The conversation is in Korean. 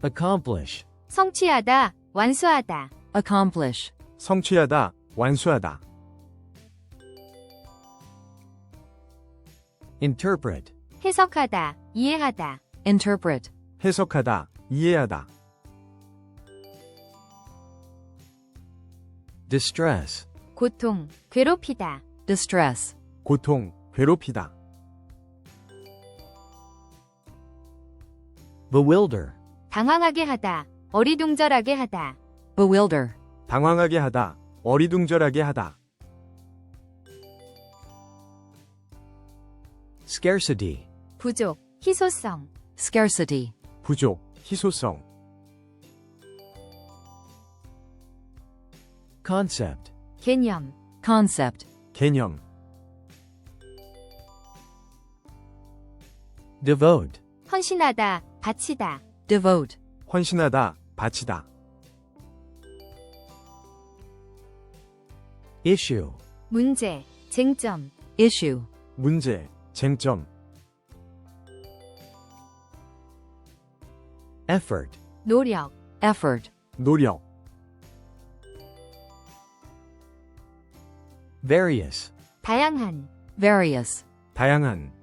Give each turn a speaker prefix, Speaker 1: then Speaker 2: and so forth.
Speaker 1: accomplish,
Speaker 2: 성취하다, 완수하다.
Speaker 3: accomplish,
Speaker 4: 성취하다, 완수하다.
Speaker 1: interpret,
Speaker 2: 해석하다, 이해하다.
Speaker 3: interpret,
Speaker 4: 해석하다, 이해하다.
Speaker 1: distress,
Speaker 2: 고통, 괴롭히다.
Speaker 3: distress,
Speaker 4: 고통, 괴롭히다.
Speaker 1: bewilder,
Speaker 2: 당황하게 하다, 어리둥절하게 하다.
Speaker 3: bewilder,
Speaker 4: 당황하게 하다, 어리둥절하게 하다.
Speaker 1: scarcity,
Speaker 2: 부족, 희소성.
Speaker 3: scarcity,
Speaker 4: 부족, 희소성.
Speaker 1: concept,
Speaker 2: 개념,
Speaker 3: concept,
Speaker 4: 개념.
Speaker 1: devote,
Speaker 2: 헌신하다, 바치다.
Speaker 3: devote,
Speaker 4: 헌신하다, 바치다.
Speaker 1: issue,
Speaker 2: 문제, 쟁점.
Speaker 3: issue,
Speaker 4: 문제, 쟁점.
Speaker 1: effort,
Speaker 2: 노력,
Speaker 3: effort,
Speaker 4: 노력.
Speaker 1: various,
Speaker 2: 다양한.
Speaker 3: various,
Speaker 4: 다양한.